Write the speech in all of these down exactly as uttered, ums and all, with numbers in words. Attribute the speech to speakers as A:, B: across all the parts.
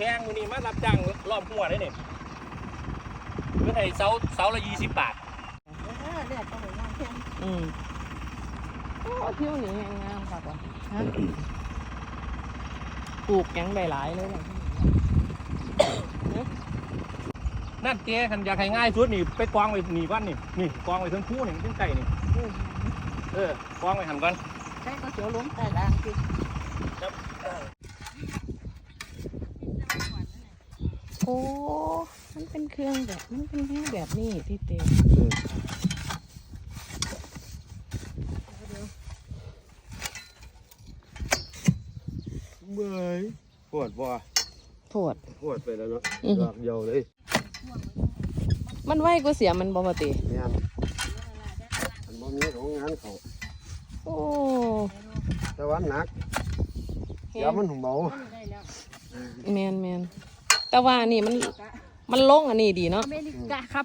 A: พงมือนี้มารับจ้างรอบหัวได้เนี่ยเมื่อไทยเสาเสาละยี่สิบบาท
B: เลือดก็เหมือนงานแพง
C: อืมโอ้เที่ยวนี้งามค่ะก่อนฮะปลูกยังได้หลายเลย
A: นั่นเจ๊คันอยากให้ง่ายสุดนี่ไปกองไว้หนีก้อนนี่นี่กองไว้ทั้งคู่นี่ทั้งไก่นี่เออกองไว้หันก่อน
B: ใช่ก็เสียวล้มแต่ด่างสิ
C: โอ้มันเป็นเครื่องแบบมันเป็นแค่แบบนี้ที่เต็ม
D: เมื่อยปวดบ่
C: ปวด
D: ปวดไปแล้วเนาะดอกเดียวเลย
C: มันไหวก็เสียมันบ่ปกติ
D: แม่นมันบ่มีของงานเขา
C: โอ้
D: แต่ว่าหนักเดี๋ยวมันเบา
C: แมนแมนแต่ว่านี่มันมันลงอันนี้ดีเนาะ
B: อเมริกาครับ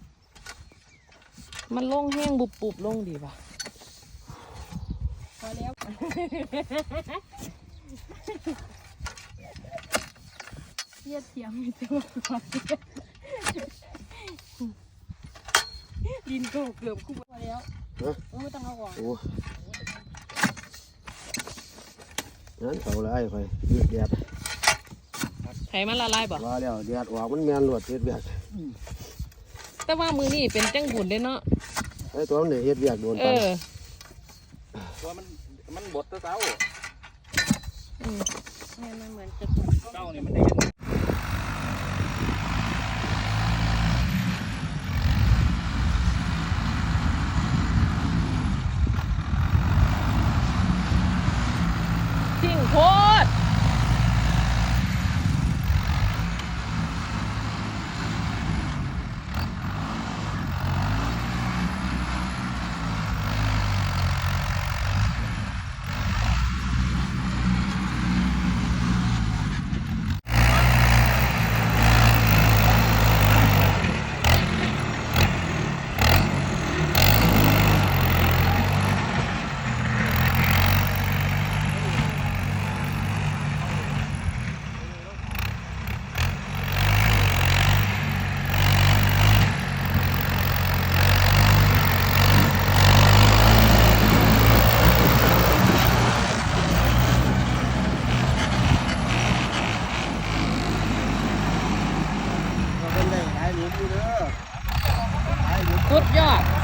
C: มันลงแห้งบุบบุบลงดีป่ะ
B: พอแล้วเทียบเทียมไม่ตัวก่อนดินก็เกือบคู่พอแล้วไม่ต้องเอาออก
D: โอ้นั้นเขาไล่ไปยืดแดด
C: ไถมันละลายบ่
D: ว่าแล้วแดดออกมันแมนหลวดเฮ็ดเบียก
C: แต่ว่ามือนี่เป็นจังบุญได้เนาะ
D: ไอ้ตัวมันเนี่ยเฮ็ดเบียกโดน
C: ปัน
A: ตัวมันมันบดตัวเต้า
B: อืมมันเหมือนจะ
A: เต้านี่มันได้
C: ทิ้งโคตรสุดยอด